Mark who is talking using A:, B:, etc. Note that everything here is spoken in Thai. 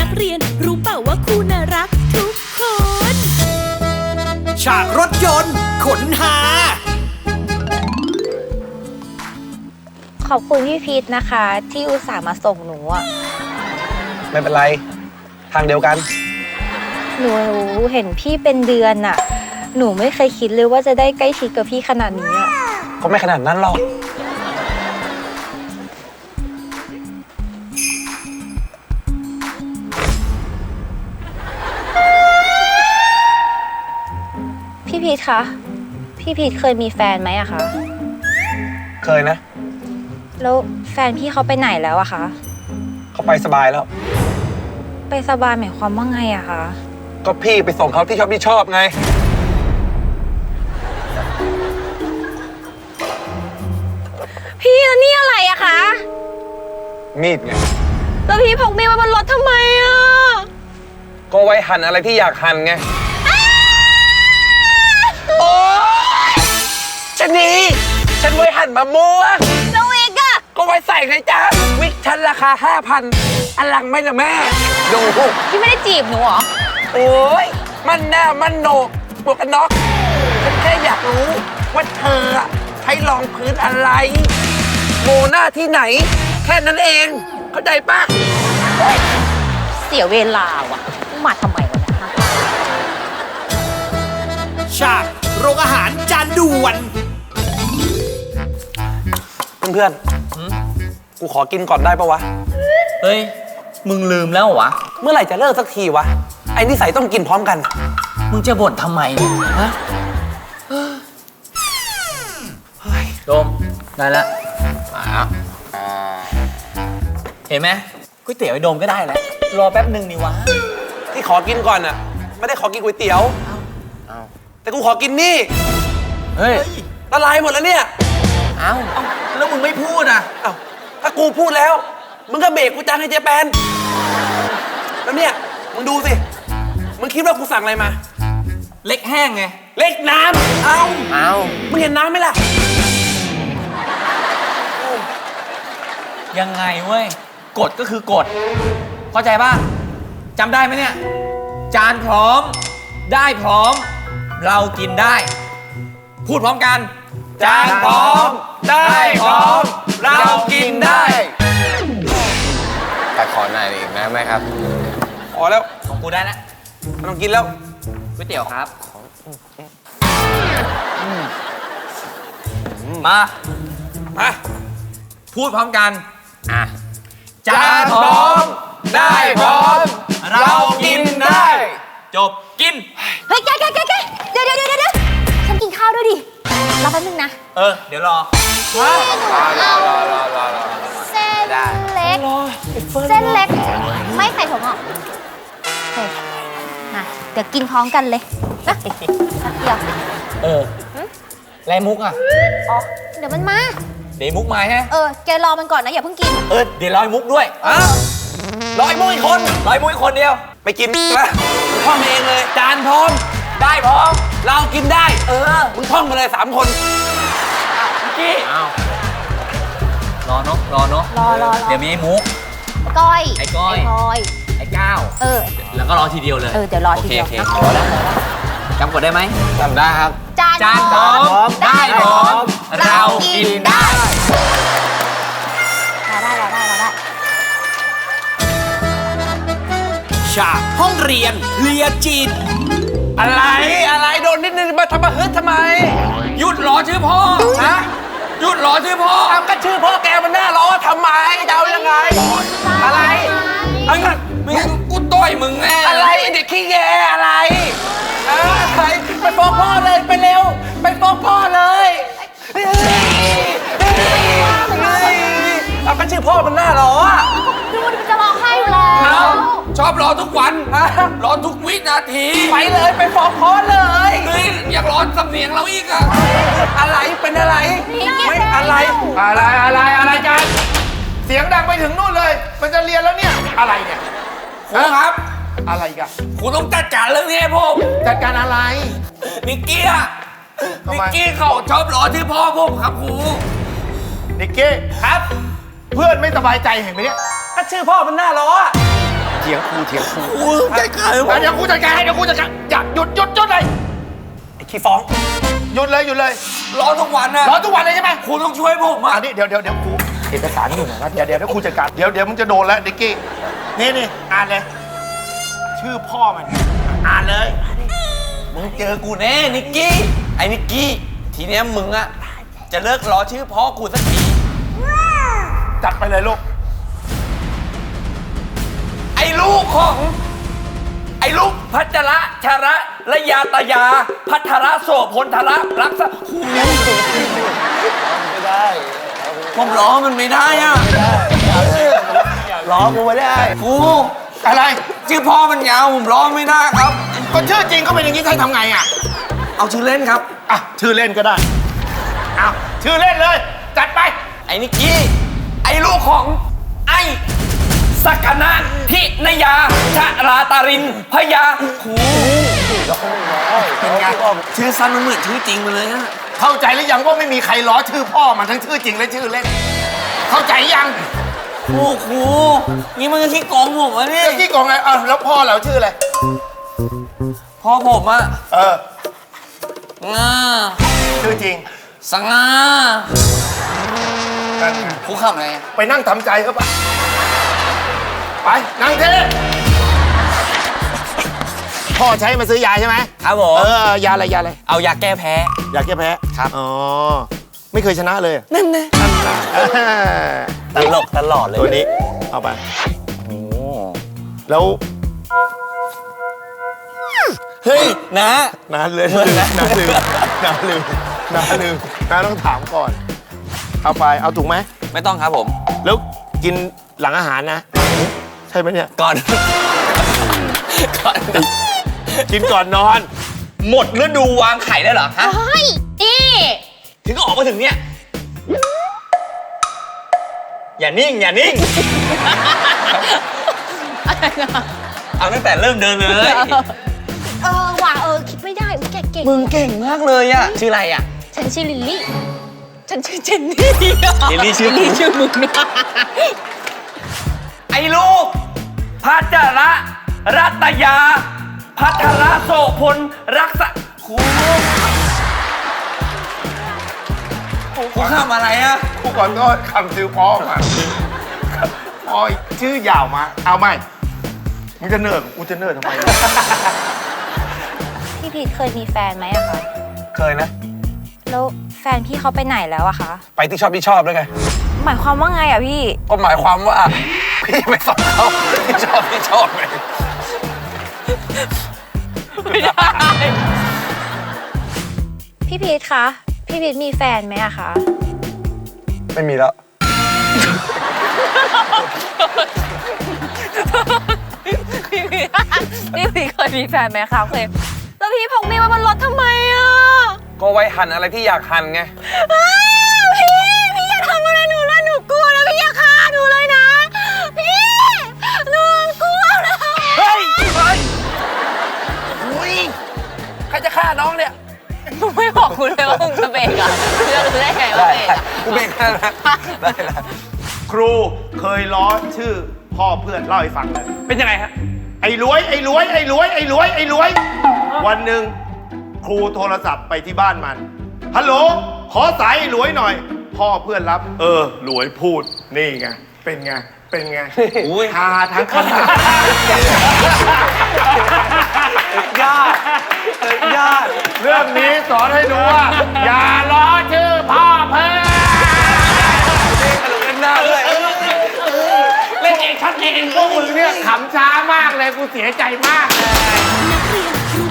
A: กเรียนรู้เปล่าว่าครูน่ารักทุกคน
B: ฉากรถยนต์ขนหา
C: ขอบคุณพี่พีทนะคะที่อุตส่าห์มาส่งหนูอ่ะ
D: ไม่เป็นไรทางเดียวกัน
C: หนูเห็นพี่เป็นเดือนอ่ะหนูไม่เคยคิดเลยว่าจะได้ใกล้ชิดกับพี่ขนาดนี้อ่ะ
D: ก็ไม่ขนาดนั้นหรอก
C: พี่พีทคะพี่พีทเคยมีแฟนไหมอะคะ
D: เคยนะ
C: แล้วแฟนพี่เขาไปไหนแล้วอะคะ
D: เขาไปสบายแล้ว
C: ไปสบายหมายความว่าไงอะคะ
D: ก็พี่ไปส่งเขาที่ชอบไง
C: พี่แล้วนี่อะไรอะคะ
D: มีดไง
C: แล้วพี่พกมีดไว้บนรถทำไมอะ
D: ก็ไว้หั่นอะไรที่อยากหั่นไงโอ๊ยชะนีฉันไว้หั่นมะม่วง
C: แล้ววิกอะ
D: ก็ไว้ใส่ไงจ๊ะวิกฉันราคา 5,000 อันหลังไม่ละแม่ดู
C: พี่ไม่ได้จีบหนูหรอ
D: โอ๊ยมันแน่มันโหนกหมวกกันน็อกฉันแค่อยากรู้ว่าเธอใช้รองพื้นอะไรโมหน้าที่ไหนแค่นั้นเองเข้าใจปะ
C: เสียเวลาว่ะมาทำไมวะเนี่ย
B: ฉากโรงอาหารจานด่วน
D: เพื่อนๆกูขอกินก่อนได้ปะวะ
E: เฮ้ยมึงลืมแล้ววะ
D: เมื่อไหร่จะเลิกสักทีวะไอ้นิสัยต้องกินพร้อมกัน
E: มึงจะบ่นทำไมฮะโดมได้แล้วเห็นไหมก๋วยเตี๋ยวไอ้โดมก็ได้แล้วรอแป๊บหนึ่งนี่วะ
D: ที่ขอกินก่อนน่ะไม่ได้ขอกินก๋วยเตี๋ยวแต่กูขอกินนี่
E: เฮ้ย
D: ละลายหมดแล้วเนี่ย
E: เอ้าแล้วมึงไม่พูดอ่ะ
D: เอ้าถ้ากูพูดแล้วมึงก็เบรกกูจังให้เจแปนแล้วเนี่ยมึงดูสิมึงคิดว่ากูสั่งอะไรมา
E: เล็กแห้งไง
D: เล็กน้ำเอามึงเห็นน้ำไหมล่ะ
E: ยังไงเว้ยกฎก็คือกฎเข้าใจป่ะจำได้ไหมเนี่ยจานพร้อมได้พร้อมเรากินได้พูดพร้อมกันจานพร้อมได้พร้อมเรากินได้
F: แต่ขอหน่อยอีกไหมครับ
D: พอแล้ว
E: ของกูได้แล้ว
D: ไม่ต้องกินแล้ว
E: ก๋วยเตี๋ยวครับมาพูดพร้อมกันจานพร้อมได้พร้อมเรากินได้จบกิน
C: เฮ้ยแกเดี๋ยวฉันกินข้าวด้วยดิรอแป๊บนึงนะ
E: เดี๋ยวรอ
C: เส้นเล็กเส้นเล็กไม่ใส่ถั่วงอกมาเดี๋ยวกินพร้อมกันเลยนะเดี๋ยว
E: ไรมุกอ่ะ
C: อ๋อเดี๋ยวมันมา
E: เดี๋ยวมุกมาฮะ
C: แกรอมันก่อนนะอย่าเพิ่งกิน
E: เดี๋ยวรอมุกด้วย
D: รอไอ้มุกอีกคน
E: เดียว
D: ไปกินนะมึงท่องเองเลยจานพร้อม
E: ได้พร้อม
D: เรากินได้มึงท่องมาเลย3 คน
E: กี้รอเนาะเดี๋ยวมีไอ้มุก
C: ก้อย
E: ไอ้ก้อยไอ้ก้าวแล้วก็รอทีเดียวเลย
C: เดี๋ยวรอทีเดียว
E: รอแล้วจำกดได้ไหม
F: จำได้ครับ
C: จานพร้อม
E: ได้พร้อมเรากินได้
B: ฉากห้องเรียนเลียจิต
D: อะไรโดนนิดนึงมาทำมาฮึดทำไม
E: หยุดรอชื่อพ่อหยุดรอชื่อพ่อ
D: ก็ชื่อพ่อแกมันน่ารอทำไมจะเอายังไงอะไร
E: มึงกูต่อยมึงแน่
D: อะไรเด็กขี้แยอะไรไปฟ้องพ่อเลยไปเร็วไปฟ้องพ่อเลยก็ชื่อพ่อมันน่ารอ
C: ดูดิมันจะร้องไห้อยู่แล้ว
E: ชอบรอทุกวันรอทุกวินาที
D: ไปเลยไปฟ้องพ่อเลย
E: อยากรอสำเนียงเราอีกอะ
D: อะไรเป็นอะไรไม่อะไรกันเสียงดังไปถึงนู่นเลยมันจะเรียนแล้วเนี่ยอะไรเนี่ย
E: ครูครับ
D: อะไรกัน
E: ครูต้องจัดการเรื่องนี้ให้ผม
D: จัดการอะไร
E: นิกกี้เขาชอบรอที่พ่อผมครับครู
D: นิกกี้
E: ครับ
D: เพื่อนไม่สบายใจเห็นไหมเนี่ยก็ชื่อพ่อมันน่ารอ
F: เถียง
D: ยงครูเถียงครู
E: ครูจัดการ
D: เดี๋ยวครูจัดการให้เดี๋ยวครูจัดการอย่าหยุดเลยไอ้ขี้ฟ้องหยุดเลย
E: รอทุกวันนะ
D: รอทุกวันเลยใช่ไหม
E: ครูต้องช่วยผมอ่ะ
D: อันนี้เดี๋ยวครูเอกสารอยู่ไหนวะเดี๋ยวครูจัดการเดี๋ยวมึงจะโดนแล้วนิกกี้นี่อ่านเลยชื่อพ่อมันอ่านเลย
E: มึงเจอกูแน่นิกกี้ไอ้นิกกี้ทีเนี้ยมึงอะจะเลิกล้อชื่อพ่อกูสักที
D: จัดไปเลยลูก
E: ไอ้ลูกพัชระชระระยาตยาพัทระโสพลทระรักษะไม่ได้ผมล้อมันไม่ได้อะ
D: ล้อกูไม่ได้
E: ครู
D: อะไร
E: ชื่อพ่อมันยาวผมล้อไม่ได้ครับ
D: ก็ชื่อจริงก็เป็นอย่างนี้ให้ทำไงอ่ะ
E: เอาชื่อเล่นครับ
D: อ่ะชื่อเล่นก็ได้เอาชื่อเล่นเลยจัดไป
E: ไอ้นิกกี้ไอ้ลูกของไอ้สักนะทินยาชราตารินพยาครู
D: เป็นไง
E: ชื่อสั้นมันเหมือนชื่อจริงไปเลยฮะ
D: เข้าใจหรือยังว่าไม่มีใครล้อชื่อพ่อมันทั้งชื่อจริงและชื่อเล่น เข้าใจยัง
E: ครูนี่มันก็ขี้โกงผมวะเนี่ย
D: เจ้าที่กองไงแล้วพ่อเราชื่ออะไร
E: พ่อผมอะ
D: เออ
E: งา
D: ชื่อจริง
E: สง่าครูขำอะไรอะ
D: ไปนั่งทำใจก็ไปไปนั่งเทพ่อใช้มาซื้อยาใช่ไหม
E: ครับผม
D: ยาอะไร
E: เอายาแก้แพ้
D: ยาแก้แพ้
E: ครับ
D: อ๋อไม่เคยชนะเลย
E: นั่นนะ
D: ตลกตลอดเลยตัวนี้เอาไป
E: โอ้
D: แล้ว
E: เฮ้ยนะ
D: น้าเลยน้าลืมน้าต้องถามก่อนเอาไปเอาถูกไหม
E: ไม่ต้องครับผม
D: แล้วกินหลังอาหารนะใช่ไหมเนี่ย
E: ก่อน
D: กินก่อนนอน
E: หมดฤดูวางไข่ได้เหรอฮะ
A: เฮ้ยนี่
E: ถึงก็ออกมาถึงเนี่ยอย่านิ่งเอาตั้งแต่เริ่มเดินเลย
A: ว่ะคิดไม่ได้แกเก่ง
E: มึงเก่งมากเลยอะชื่ออะไรอะ
A: ฉันชื่อลิลลี่ ฉันชื่อเจนนี่
E: ลิลลี่ชื่อ
A: ลิลลี่ชื่อมึงนะ
E: ไอ้ลูกพัชระรัตยาพัทระโสพลรักษะครูข้ามอะไรอะ
D: กูก่อนก็คำชื่อพ่อมาพ่อชื่อยาวมาเอาไหมมึงจะเนิร์ดกูจะเนิร์ดทำไม
C: พี่พีทเคยมีแฟนไหมอะคะ
D: เคยนะ
C: แล้วแฟนพี่เขาไปไหนแล้วอะคะ
D: ไปที่ชอบแล้วไง
C: หมายความว่าไงอะพี่
D: ก็หมายความว่าพี่ไปสอนเขาที่ชอบไง
E: ไม่ได้
C: พี่พีทคะ พี่พีทมีแฟนไหมอะคะ
D: ไม่มีแล้ว
C: พี่พีทเคยมีแฟนไหมคะเคยแล้วพี่พกมีดมาบนรถทำไมอะ
D: ก็ไว้หั่นอะไรที่อยากหั่นไง
C: พี่อย่าทำอะไรหนูเลยหนูกลัวนะพี่อย่าฆ่าหนูเลยนะ พี่หนูกลัวนะ
D: เฮ้ยอุ้ยใครจะฆ่าน้องเนี่ย
C: มึงไม่บอกกูเลยว่ามึงจะเบรกอะจะรู้ได้ไงว่าเบรกอะ
D: กูเบรกได้แล้วครูเคยล้อชื่อพ่อเพื่อนเล่าให้ฟังเลย
E: เป็นยังไงฮะ
D: ไอ้รวย วันหนึ่งครูโทรศัพท์ไปที่บ้านมัน ฮัลโหล ขอสายไอ้รวยหน่อย พ่อเพื่อนรับ รวยพูด นี่ไง เป็นไง
E: อุ้ย
D: ฮาทั้งคณะ
E: ยอด
D: เรื่องนี้สอนให้รู้ว่า อย่าล้อชื่อพ่อเพื่อน
E: หน้าด้วย
D: เล่นเองชัดเองพวกมึงเนี่ยขำช้ามากเลย กูเสียใจมากเลย
A: นักเรียนครู